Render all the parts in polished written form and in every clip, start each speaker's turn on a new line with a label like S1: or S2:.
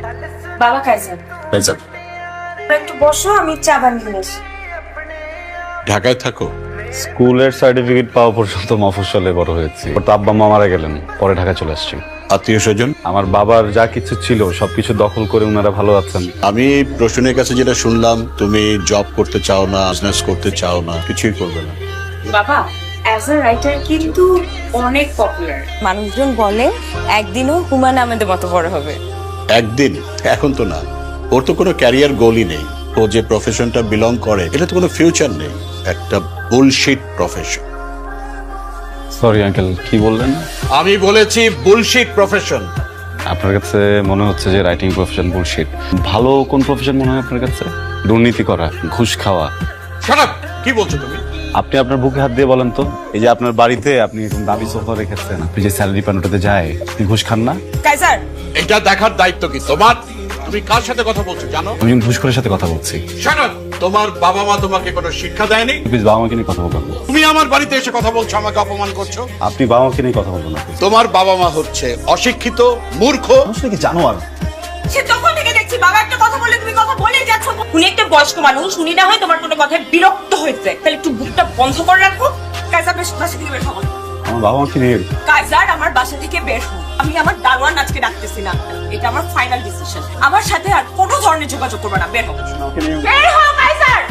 S1: বাবা Kaiser,
S2: Kaiser,
S1: একটু বসো, আমি চা বানিয়ে নিয়ে আসি।
S2: ঢাকায় থাকো?
S3: স্কুলের সার্টিফিকেট পাওয়া পর্যন্ত মফস্বলে বড় হয়েছি। ওর তো আব্বা মা মারা গেলেন, পরে ঢাকা চলে আসছি।
S2: আত্মীয় স্বজন?
S3: আমার বাবার যা কিছু ছিল সবকিছু দখল করে ওনারা ভালো আছেন।
S2: আমি প্রশ্নের কাছে যেটা শুনলাম, তুমি জব করতে চাও না, বিজনেস করতে চাও না, কিছুই করবে না।
S1: বাবা অ্যাজ আ রাইটার কিন্তু অনেক পপুলার, মানুষজন বলে একদিনও হুমায়ুন আহমেদের মতো বড় হবে।
S2: একদিন? এখন তো না। ওর তো কোনো ক্যারিয়ার গোলই নেই। ও যে প্রফেশনটা বিলং করে এটা তো কোনো ফিউচার নেই, একটা বুলশিট প্রফেশন।
S3: সরি আঙ্কেল, কি বললেন?
S2: আমি বলেছি বুলশিট প্রফেশন।
S3: আপনার কাছে মনে হচ্ছে যে রাইটিং প্রফেশন বুলশিট। ভালো কোন প্রফেশন মনে হয় আপনার কাছে? দুর্নীতি করা, ঘুষ খাওয়া।
S2: Shut up! কি বলছো তুমি?
S3: আপনি আপনার বুকে হাত দিয়ে বলেন তো, এই যে আপনার বাড়িতে আপনি এরকম দামি সোফা রেখেছেন, আপনি যে স্যালারি পান ওটাতে যায়, আপনি ঘুষ খান না?
S1: কাইজার,
S2: এটা দেখার দায়িত্ব কি তোমার? তুমি কার সাথে কথা বলছো জানো?
S3: আমি একজন ঘুষখোরের সাথে কথা বলছি।
S2: Shut up! তোমার বাবা মা তোমাকে কোনো শিক্ষা দেয়নি?
S3: প্লিজ বাবা মাকে নিয়ে কথা বলবেন না।
S2: তুমি আমার বাড়িতে এসে কথা বলছো, আমাকে অপমান করছো।
S3: আপনি বাবা মাকে নিয়ে কথা বলবেন না।
S2: তোমার বাবা মা হচ্ছে অশিক্ষিত, মূর্খ।
S3: আসলে কি জানো আর
S1: সে তখন থেকে দেখছি বাবা একটা কথা বললে তুমি কথা বলেই যাচ্ছ। উনি একটা বয়স্ক মানুষ, উনি না হয় তোমার কোনো কথায় বিরক্ত হয়েছে, তাহলে একটু বুকটা বন্ধ করে রাখো। কাইজার বাসা থেকে বের হও।
S3: আমার বাবা মাকে নিয়ে
S1: কাইজার আমার বাসা থেকে বের হও। আমি আমার দারোয়ান আজকে ডাকতেছি না, এটা আমার ফাইনাল ডিসিশন। আমার সাথে আর কোনো ধরনের যোগাযোগ করবে না, বের হও। বের হও কাইজার।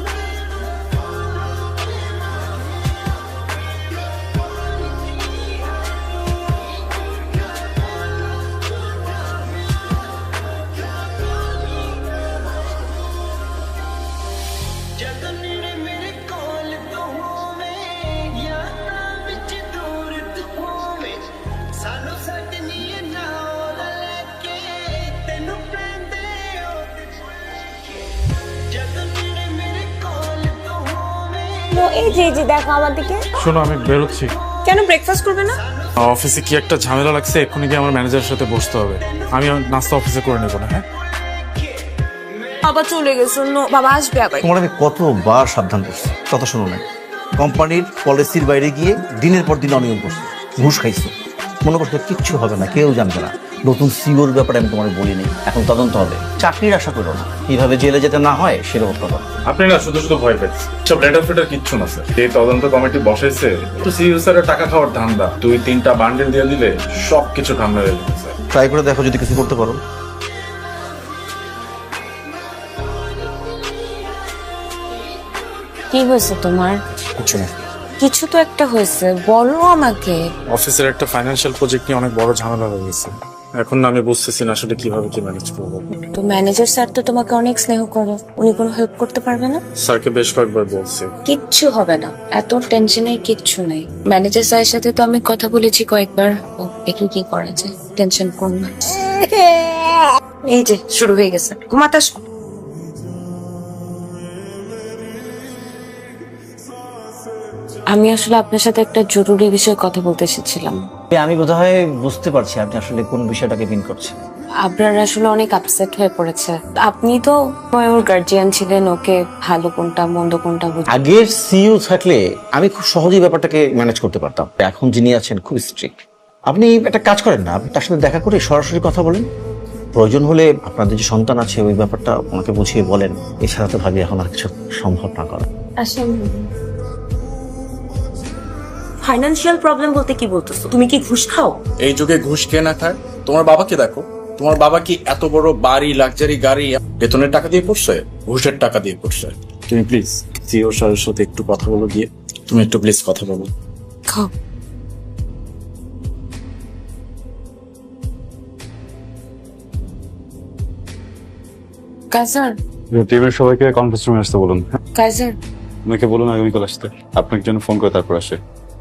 S4: এই যে দেখো আমার দিকে।
S5: শোনো, আমি বেরোচ্ছি।
S1: কেন ব্রেকফাস্ট করবে না?
S5: অফিসে কি একটা ঝামেলা লাগছে, এক্ষুনি গিয়ে আমার ম্যানেজারের সাথে বসতে হবে। আমি নাস্তা অফিসে করে নেবো না। হ্যাঁ,
S1: বাবা চলে গেছে, বাবা আসবে আবার।
S6: তোমার আমি কতবার সাবধান করছি, কথা শোনো না। কোম্পানির পলিসির বাইরে গিয়ে দিনের পর দিন অনিয়ম করছো, ঘুষ খাইছো। মনে করছো কিচ্ছু হবে না, কেউ জানবে না। নতুন সিওর ব্যাপারে আমি তোমার বলিনি, এখন তদন্ত হবে। চাকরির আশা করো না, কিভাবে জেলে যেতে না হয় সেরকম কথা।
S5: আপনি না শুধু শুধু ভয় পেয়েছেন। সব লেটার ফেটার কিচ্ছু না স্যার। এই তদন্ত কমিটি বসাইছে তো সিইও স্যারের টাকা খাওয়ার ধান্দা। 2-3টা বান্ডেল দিয়ে দিলে সব কিছু ঠান্ডা হয়ে যাবে স্যার।
S6: ট্রাই করে দেখো যদি কিছু করতে পারো।
S4: কি হয়েছে তোমার?
S5: কিছু না।
S4: কিছু তো একটা হয়েছে, বলো আমাকে।
S5: অফিসের একটা ফাইন্যান্সিয়াল প্রজেক্ট নিয়ে অনেক বড় ঝামেলা হয়ে গেছে। এখন না আমি বুঝতেছি না আসলে কিভাবে কি ম্যানেজ করবো।
S4: তো ম্যানেজার স্যার তো তোমাকে অনেক স্নেহ করে, উনি কোনো হেল্প করতে পারবে না?
S5: স্যারকে বেশ কয়েকবার বলছি।
S4: কিচ্ছু হবে না, এত টেনশনের কিচ্ছু নেই। ম্যানেজার স্যারের সাথে তো আমি কথা বলেছি কয়েকবার, একটু কি করা যায়, টেনশন করো না। এই যে শুরু হয়ে গেছে, ঘুমাতে আসো। আমি আসলে আপনার সাথে একটা জরুরি বিষয়ে কথা বলতে এসেছিলাম।
S6: আমি বোধহয় বুঝতে পারছি আপনি আসলে কোন বিষয়টাকে মিন করছেন।
S4: আপনার আসলে অনেক আপসেট হয়ে পড়েছে। আপনি তো ওর গার্জিয়ান ছিলেন, ওকে ভালো কোনটা মন্দ কোনটা
S6: আগের সিইও থাকলে আমি খুব সহজেই ব্যাপারটাকে ম্যানেজ করতে পারতাম। এখন যিনি আছেন খুব স্ট্রিক্ট। আপনি একটা কাজ করেন না, আপনি তার সাথে দেখা করে সরাসরি কথা বলেন। প্রয়োজন হলে আপনাদের যে সন্তান আছে ওই ব্যাপারটা ওনাকে বুঝিয়ে বলেন। এছাড়া তো ভাবি এখন আর কিছু সম্ভব না করা।
S4: আসলে
S1: ফাইনান্সিয়াল প্রবলেম বলতে কি বলতেছো? তুমি কি ঘুষ খাও?
S7: এই যুগে ঘুষ কে না খায়? তোমার বাবাকে দেখো, তোমার বাবা কি এত বড় বাড়ি, লাক্সারি গাড়ি বেতনের টাকা দিয়ে পড়ছে? ঘুষের টাকা দিয়ে পড়ছে। তুমি প্লিজ সিও স্যারের সাথে একটু কথা বলো গিয়ে। তুমি একটু প্লিজ কথা বলো।
S4: খাও। কাইজার,
S3: টিমের সবাইকে কনফারেন্স রুমে আসতে বলুন।
S4: কাইজার,
S3: আমাকে বলুন আগামীকাল আসতে। আপনাকে জন্য ফোন করে তারপর আসে।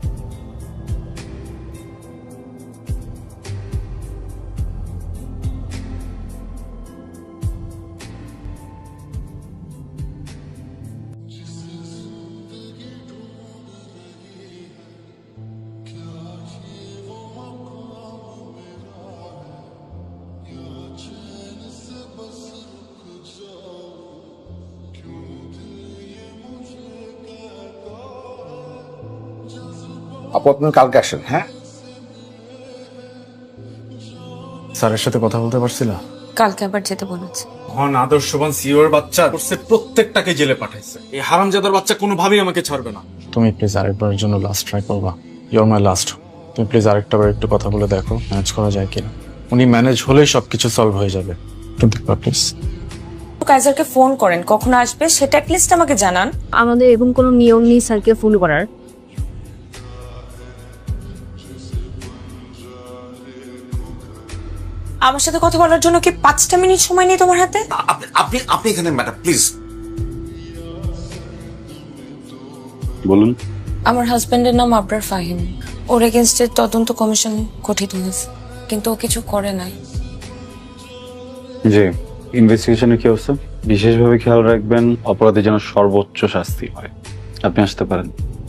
S7: আপু আপনি কালকে আসেন। হ্যাঁ,
S5: স্যারের সাথে কথা বলতে পারছি না।
S4: কালকে আবার যেতে বলেছে।
S7: মহান আদর্শবান সিওর বাচ্চা করছে, প্রত্যেকটাকে জেলে পাঠাইছে। এই হারামজাদার বাচ্চা কোনোভাবেই আমাকে ছাড়বে না। তুমি প্লিজ আরেকবারের জন্য লাস্ট ট্রাই করবা। You're my last. তুমি প্লিজ আরেকটা বার একটু কথা বলে দেখো ম্যানেজ করা যায় কিনা। উনি ম্যানেজ হলেই সবকিছু সলভ হয়ে যাবে। একটু দেখবা প্লিজ।
S4: কাইজারকে ফোন করেন, কখন আসবে সেটা অ্যাটলিস্ট আমাকে জানান।
S8: আমাদের এরকম কোনো নিয়ম নেই স্যারকে ফোন করার।
S4: আমার সাথে কথা বলার জন্য কি 5টা মিনিট সময় নেই তোমার হাতে?
S9: আপনি আপনি এখানে ম্যাডাম প্লিজ।
S3: বলুন।
S4: আমার হাজবেন্ডের নাম আবরার ফাহিম। ওর এগেনস্টে তদন্ত কমিশন গঠিত হয়েছে, কিন্তু ও কিছু করে নাই।
S3: জি, ইনভেস্টিগেশনে কি অবস্থা? বিশেষভাবে খেয়াল রাখবেন অপরাধী যেন সর্বোচ্চ শাস্তি হয়। আপনি আসতে পারেন।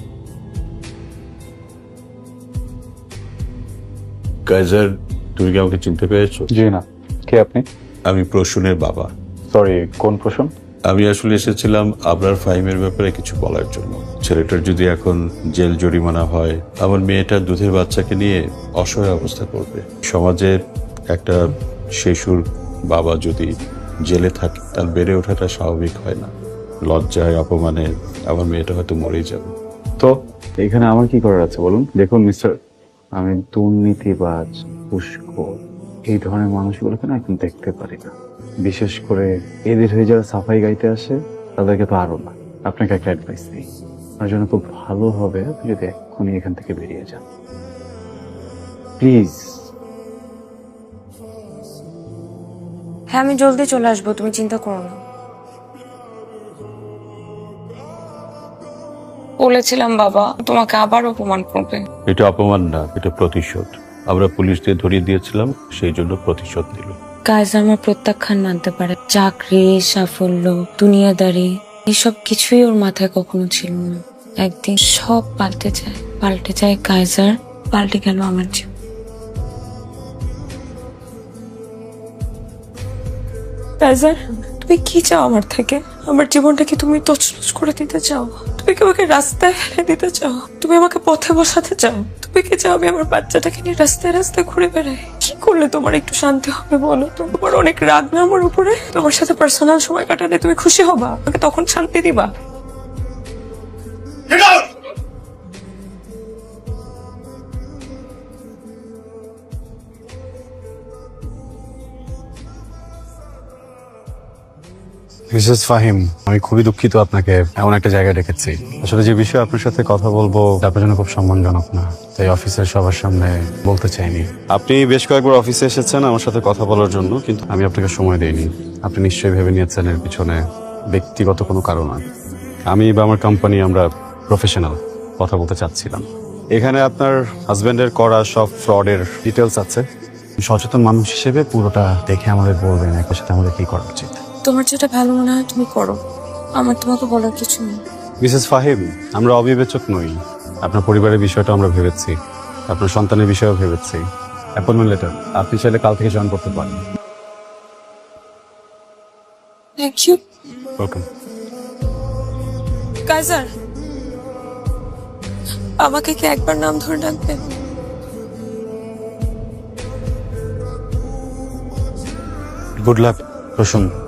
S2: কাইজার, তুমি কি আমাকে চিনতে পেরেছো?
S3: জি না। কে আপনি?
S2: আমি প্রসূনের বাবা।
S3: সরি, কোন প্রশ্ন?
S2: আমি আসলে এসেছিলাম আবরার ফাহিমের ব্যাপারে কিছু বলার জন্য। ছেলেটার যদি এখন জেল জরিমানা হয়, আমার মেয়েটার দুধের বাচ্চাকে নিয়ে অসহায় অবস্থা করবে। সমাজের একটা শিশুর বাবা যদি জেলে থাকে, তার বেড়ে ওঠাটা স্বাভাবিক হয় না। লজ্জায়, অপমানে আমার মেয়েটা হয়তো মরেই যাবে।
S3: তো এখানে আমার কি করার আছে বলুন? দেখুন মিস্টার, আমি দুর্নীতিবাজ, ঘুষখোর এই ধরনের মানুষগুলোকে না এখন দেখতে পারি না। বিশেষ করে এদের হয়ে যারা সাফাই গাইতে আসে তাদেরকে তো আরো না। আপনাকে একটা অ্যাডভাইস দিই, আপনার জন্য খুব ভালো হবে আপনি যদি এক্ষুনি এখান থেকে বেরিয়ে যান, প্লিজ।
S4: হ্যাঁ, আমি জলদি চলে আসবো, তুমি চিন্তা করো না। বলেছিলাম বাবা তোমাকে আবার অপমান করবে।
S2: এটা অপমান না, এটা প্রতিশোধ। আমরা পুলিশ দিয়ে ধরিয়ে দিয়েছিলাম, সেই জন্য প্রতিশোধ নিল।
S4: কাইজার আমার প্রত্যাখ্যান মানতে পারে, চাকরি, সাফল্য, দুনিয়াদারি এসব কিছুই ওর মাথায় কখনো ছিল না। একদিন সব পাল্টে যায় কাইজার, পাল্টে গেল আমার জীবন। কাইজার, তুমি কি চাও আমার থেকে? আমার জীবনটা কি তুমি তছনছ করে দিতে চাও? তুমি কি আমাকে রাস্তায় ফেলে দিতে চাও? তুমি আমাকে পথে বসাতে চাও? তুমি কি চাও আমি আমার বাচ্চাটাকে নিয়ে রাস্তায় রাস্তায় ঘুরে বেড়াই? কি করলে তোমার একটু শান্তি হবে বলো? তোমার অনেক রাগ না আমার উপরে? তোমার সাথে পার্সোনাল সময় কাটালে তুমি খুশি হবা? আমাকে তখন শান্তি দিবা?
S3: মিসেস ফাহিম, আমি খুবই দুঃখিত আপনাকে এমন একটা জায়গায় ডেকেছি। আসলে যে বিষয়ে আপনার সাথে কথা বলবো আপনার জন্য খুব সম্মানজনক না, তাই অফিসের সবার সামনে বলতে চাইনি। আপনি বেশ কয়েকবার অফিসে এসেছেন আমার সাথে কথা বলার জন্য, কিন্তু আমি আপনাকে সময় দেইনি। আপনি নিশ্চয়ই ভেবে নিয়েছেন এর পিছনে ব্যক্তিগত কোনো কারণ আছে। আমি বা আমার কোম্পানি আমরা প্রফেশনাল, কথা বলতে চাচ্ছিলাম। এখানে আপনার হাজবেন্ডের করা সব ফ্রডের ডিটেলস আছে। সচেতন মানুষ হিসেবে পুরোটা দেখে আমাদের বলবেন একই সাথে আমাদের কি করা উচিত।
S4: তোমার যেটা ভালো মনে হয় তুমি করো, আমার তোমাকে বলার কিছু নেই।
S3: মিসেস ফাহিম, আমরা অবিবেচক নই। আপনার পরিবারের বিষয়টা আমরা ভেবেছি, আপনার সন্তানের বিষয়েও ভেবেছি। অ্যাপয়েন্টমেন্ট লেটার আপনি চাইলে কাল থেকে জয়েন করতে পারেন।
S4: Thank you.
S3: ওয়েলকাম।
S4: কাইজার, আমাকে কি একবার নাম ধরে ডাকবেন?
S3: Good luck Prasun.